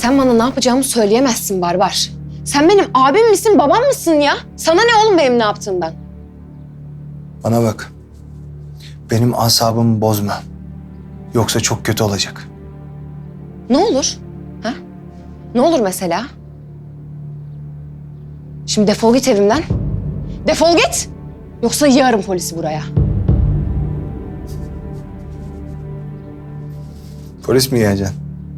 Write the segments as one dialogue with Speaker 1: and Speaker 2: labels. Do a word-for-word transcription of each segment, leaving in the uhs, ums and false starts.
Speaker 1: Sen bana ne yapacağımı söyleyemezsin Barbar. Sen benim abim misin, babam mısın ya? Sana ne oğlum benim ne yaptığımdan?
Speaker 2: Bana bak. Benim asabımı bozma. Yoksa çok kötü olacak.
Speaker 1: Ne olur? Ha? Ne olur mesela? Şimdi defol git evimden. Defol git. Yoksa yığarım polisi buraya.
Speaker 2: Polis mi yiyeceksin?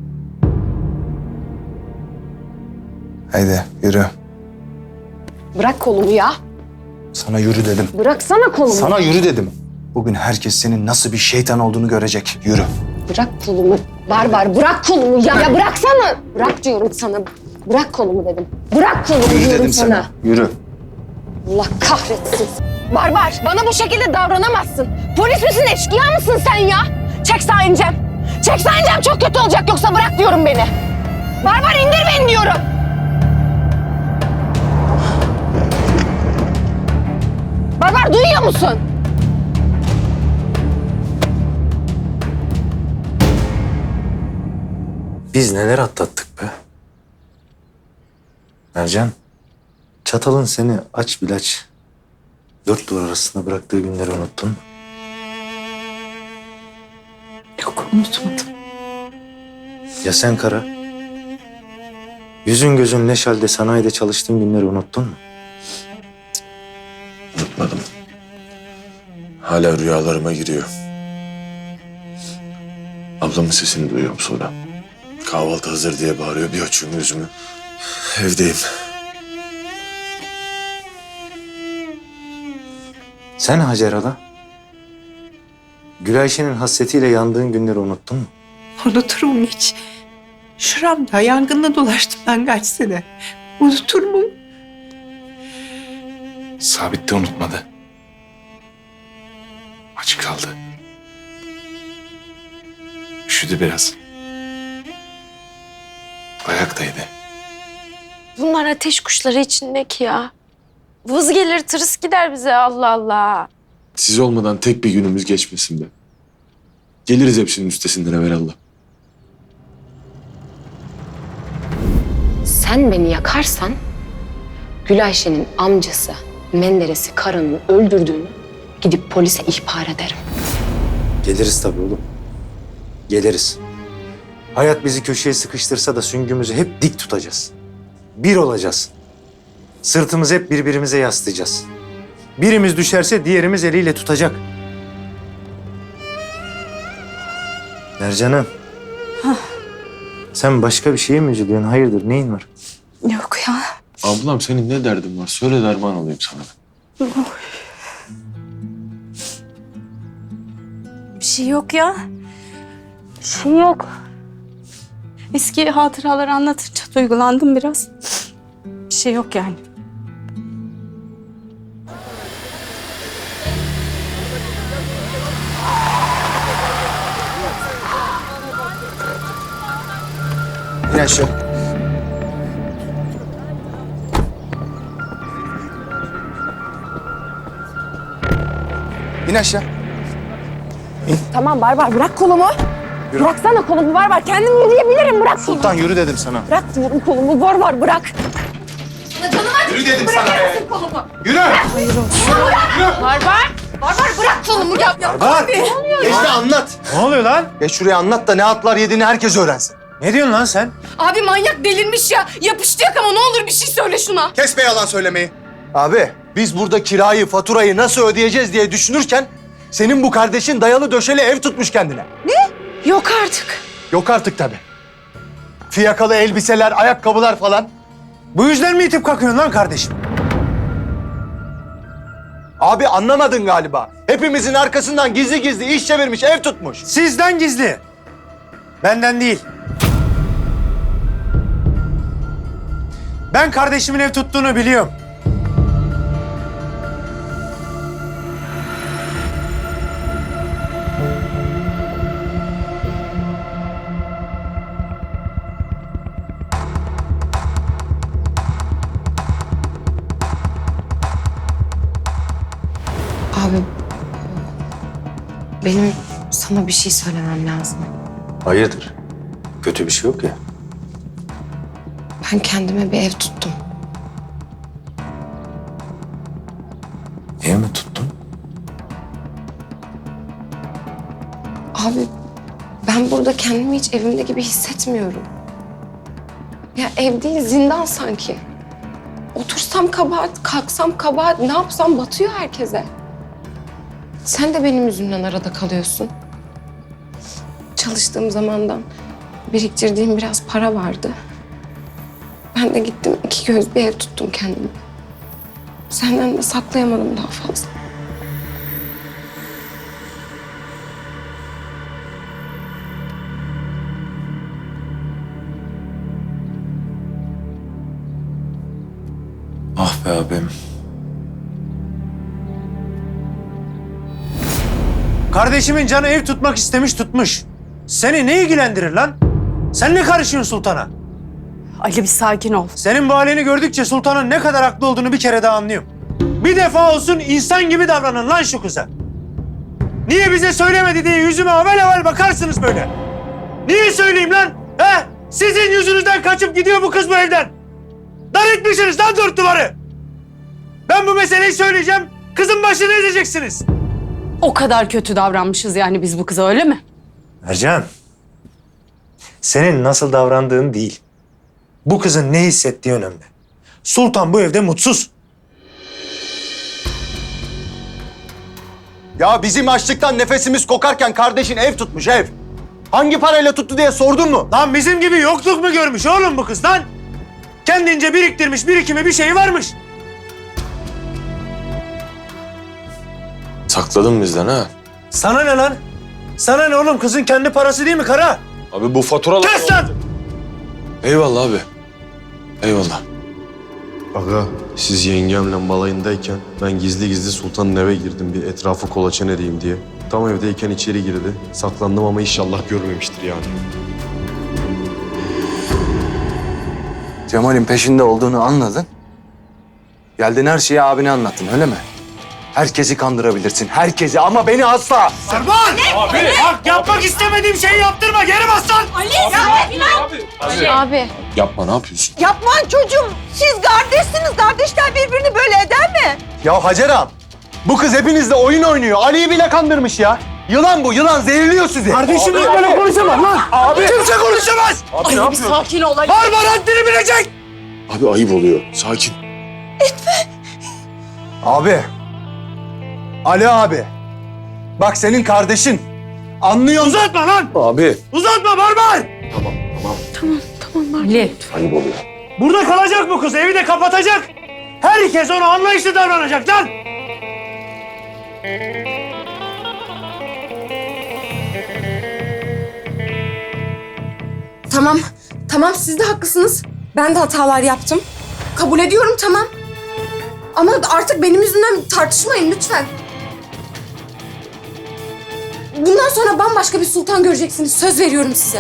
Speaker 2: Haydi yürü.
Speaker 1: Bırak kolumu ya.
Speaker 2: Sana yürü dedim.
Speaker 1: Bıraksana kolumu.
Speaker 2: Sana yürü dedim. Bugün herkes senin nasıl bir şeytan olduğunu görecek. Yürü.
Speaker 1: Bırak kolumu. Barbar bırak kolumu ya. Ya bıraksana. Bırak diyorum sana. Bırak kolumu dedim. Bırak kolumu
Speaker 2: Yürü
Speaker 1: diyorum
Speaker 2: dedim
Speaker 1: sana.
Speaker 2: sana. Yürü.
Speaker 1: Allah kahretsin. Barbar bana bu şekilde davranamazsın. Polis misin, eşkıya mısın sen ya? Çek sağa ineceğim. Çek sağa ineceğim, çok kötü olacak yoksa bırak diyorum beni. Barbar indir beni diyorum. Barbar duyuyor musun?
Speaker 3: Biz neler atlattık be. Ercan, çatalın seni aç bil aç. Dört duvar arasında bıraktığı günleri unuttun mu?
Speaker 4: Yok, unutmadım.
Speaker 3: Ya sen Kara? Yüzün gözün leş halde sanayide çalıştığın günleri unuttun mu?
Speaker 5: Unutmadım. Hala rüyalarıma giriyor. Ablamın sesini duyuyorum sonra. Kahvaltı hazır diye bağırıyor. Bir açıyorum yüzümü. Evdeyim.
Speaker 3: Sen Hacer Hala? Gülayşe'nin hasretiyle yandığın günleri unuttun mu?
Speaker 4: Unutur muyum hiç? Şuramda yangınla dolaştım ben kaç sene. Unutur muyum?
Speaker 5: Sabit de unutmadı. Aç kaldı. Üşüdü biraz. Ayaktaydı.
Speaker 6: Bunlar ateş kuşları içindeki ya. Vız gelir tırıs gider bize, Allah Allah.
Speaker 5: Siz olmadan tek bir günümüz geçmesin be. Geliriz hepsinin üstesinden evvelallah.
Speaker 1: Sen beni yakarsan Gülayşe'nin amcası Menderes'i Kara'nın öldürdüğünü gidip polise ihbar ederim.
Speaker 3: Geliriz tabii oğlum. Geliriz. Hayat bizi köşeye sıkıştırsa da süngümüzü hep dik tutacağız. Bir olacağız. Sırtımızı hep birbirimize yaslayacağız. Birimiz düşerse diğerimiz eliyle tutacak. Mercan'ım. Sen başka bir şeye mi üzülüyorsun? Hayırdır, neyin var?
Speaker 4: Yok ya.
Speaker 5: Ablam senin ne derdin var? Söyle derman olayım sana.
Speaker 6: Bir şey yok ya. Bir şey yok. Eski hatıraları anlatınca duygulandım biraz. Bir şey yok yani.
Speaker 2: İn aşağı. İn aşağı.
Speaker 1: Tamam Barbar bırak kolumu.
Speaker 2: Yürü.
Speaker 1: Bıraksana kolumu Barbar. Kendim yürüyebilirim, bırak kolumu.
Speaker 2: Sultan yürü dedim sana.
Speaker 1: Bırak diyorum kolumu Barbar, bırak.
Speaker 2: Yürü dedim sana be. Yürü.
Speaker 1: Barbar. Barbar bırak kolumu ya. ya.
Speaker 2: Barbar. Geç de anlat.
Speaker 3: Ne oluyor lan?
Speaker 2: Geç şuraya anlat da ne atlar yediğini herkes öğrensin.
Speaker 3: Ne diyorsun lan sen?
Speaker 1: Abi manyak delirmiş ya. Yapıştı yakama, ne olur bir şey söyle şuna.
Speaker 2: Kes be yalan söylemeyi. Abi biz burada kirayı, faturayı nasıl ödeyeceğiz diye düşünürken senin bu kardeşin dayalı döşeli ev tutmuş kendine.
Speaker 1: Yok artık.
Speaker 2: Yok artık tabii. Fiyakalı elbiseler, ayakkabılar falan.
Speaker 3: Bu yüzden mi itip kalkıyorsun lan kardeşim?
Speaker 2: Abi anlamadın galiba. Hepimizin arkasından gizli gizli iş çevirmiş, ev tutmuş.
Speaker 3: Sizden gizli. Benden değil. Ben kardeşimin ev tuttuğunu biliyorum.
Speaker 1: Abi benim sana bir şey söylemem lazım.
Speaker 3: Hayırdır? Kötü bir şey yok ya.
Speaker 1: Ben kendime bir ev tuttum.
Speaker 3: Ev mi tuttun?
Speaker 1: Abi ben burada kendimi hiç evimde gibi hissetmiyorum. Ya ev değil zindan sanki. Otursam kabahat, kalksam kabahat, ne yapsam batıyor herkese. Sen de benim yüzümden arada kalıyorsun. Çalıştığım zamandan biriktirdiğim biraz para vardı. Ben de gittim iki göz bir ev tuttum kendime. Senden de saklayamadım daha fazla.
Speaker 5: Ah be abim.
Speaker 3: Kardeşimin canı ev tutmak istemiş tutmuş. Seni ne ilgilendirir lan? Sen ne karışıyorsun sultana?
Speaker 6: Ali bir sakin ol.
Speaker 3: Senin bu halini gördükçe sultanın ne kadar haklı olduğunu bir kere daha anlıyorum. Bir defa olsun insan gibi davranın lan şu kıza. Niye bize söylemedi diye yüzüme avel avel bakarsınız böyle. Niye söyleyeyim lan? He? Sizin yüzünüzden kaçıp gidiyor bu kız bu evden. Dar etmişsiniz lan dört duvarı. Ben bu meseleyi söyleyeceğim. Kızın başını ezeceksiniz.
Speaker 6: O kadar kötü davranmışız yani biz bu kıza, öyle mi?
Speaker 3: Ercan, senin nasıl davrandığın değil, bu kızın ne hissettiği önemli. Sultan bu evde mutsuz.
Speaker 2: Ya bizim açlıktan nefesimiz kokarken kardeşin ev tutmuş ev. Hangi parayla tuttu diye sordun mu?
Speaker 3: Lan bizim gibi yokluk mu görmüş oğlum bu kız lan? Kendince biriktirmiş birikimi bir şey varmış.
Speaker 5: Sakladın bizden ha.
Speaker 3: Sana ne lan? Sana ne oğlum, kızın kendi parası değil mi kara?
Speaker 5: Abi bu faturalar...
Speaker 3: Kes lan!
Speaker 5: Eyvallah abi. Eyvallah.
Speaker 7: Aga, siz yengemle balayındayken ben gizli gizli sultanın eve girdim bir etrafı kolaçan edeyim diye. Tam evdeyken içeri girdi. Saklandım ama inşallah görmemiştir yani.
Speaker 8: Cemal'in peşinde olduğunu anladın. Geldin her şeyi abine anlattın, öyle mi? Herkesi kandırabilirsin, herkesi, ama beni asla.
Speaker 3: Sarban! Abi! Bak yapmak istemediğim şeyi yaptırma, geri bas lan!
Speaker 1: Abi.
Speaker 5: Yapma, ne yapıyorsun?
Speaker 4: Yapma çocuğum. Siz kardeşsiniz. Kardeşler birbirini böyle eder mi?
Speaker 2: Ya Hacer ağam, bu kız hepinizle oyun oynuyor. Ali'yi bile kandırmış ya. Yılan bu, yılan zehirliyor sizi.
Speaker 3: Kardeşim böyle konuşamam lan! Abi! Kimse konuşamaz!
Speaker 5: Abi ne
Speaker 6: Bir sakin ol Ali.
Speaker 3: Barbar haddini bilecek!
Speaker 5: Abi ayıp oluyor. Sakin.
Speaker 2: Abi. Ali abi. Bak senin kardeşin. Anlıyor musun?
Speaker 3: Uzatma lan!
Speaker 5: Abi.
Speaker 3: Uzatma barbar!
Speaker 6: Ali.
Speaker 5: Ayıp oluyor.
Speaker 3: Burada kalacak bu kız, evi de kapatacak. Herkes ona anlayışlı davranacak lan!
Speaker 1: Tamam. Tamam siz de haklısınız. Ben de hatalar yaptım. Kabul ediyorum tamam. Ama artık benim yüzümden tartışmayın lütfen. Bundan sonra bambaşka bir sultan göreceksiniz. Söz veriyorum size.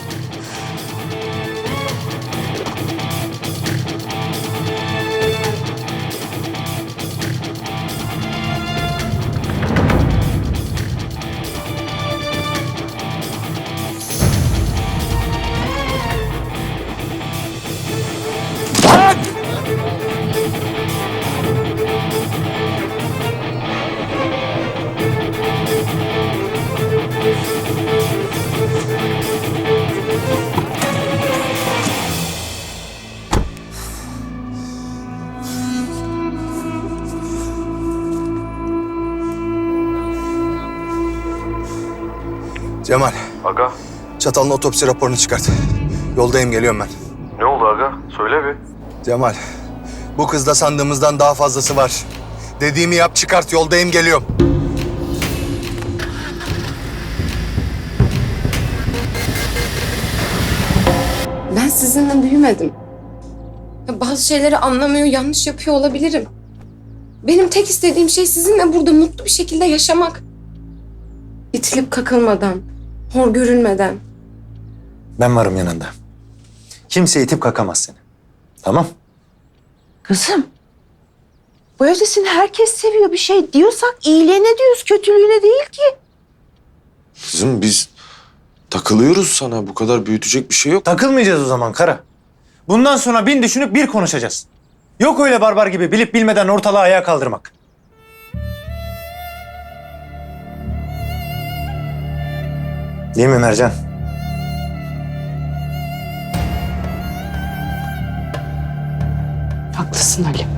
Speaker 8: Cemal.
Speaker 7: Aga,
Speaker 8: Çatal'ın otopsi raporunu çıkart. Yoldayım, geliyorum ben.
Speaker 7: ne oldu aga? Söyle bir.
Speaker 8: Cemal, bu kızda sandığımızdan daha fazlası var. Dediğimi yap, çıkart, yoldayım, geliyorum.
Speaker 1: Ben sizinle büyümedim. Ya bazı şeyleri anlamıyor, yanlış yapıyor olabilirim. Benim tek istediğim şey sizinle burada mutlu bir şekilde yaşamak. İtilip kakılmadan, hor görülmeden.
Speaker 3: Ben varım yanında. Kimse itip kakamaz seni. Tamam?
Speaker 4: Kızım. Bu evde seni herkes seviyor. Bir şey diyorsak iyiliğine diyoruz, kötülüğüne değil ki.
Speaker 5: Kızım biz takılıyoruz sana. Bu kadar büyütecek bir şey yok.
Speaker 3: Takılmayacağız o zaman kara. Bundan sonra bin düşünüp bir konuşacağız. Yok öyle barbar gibi bilip bilmeden ortalığı ayağa kaldırmak. Değil mi Mercan?
Speaker 4: Haklısın Ali.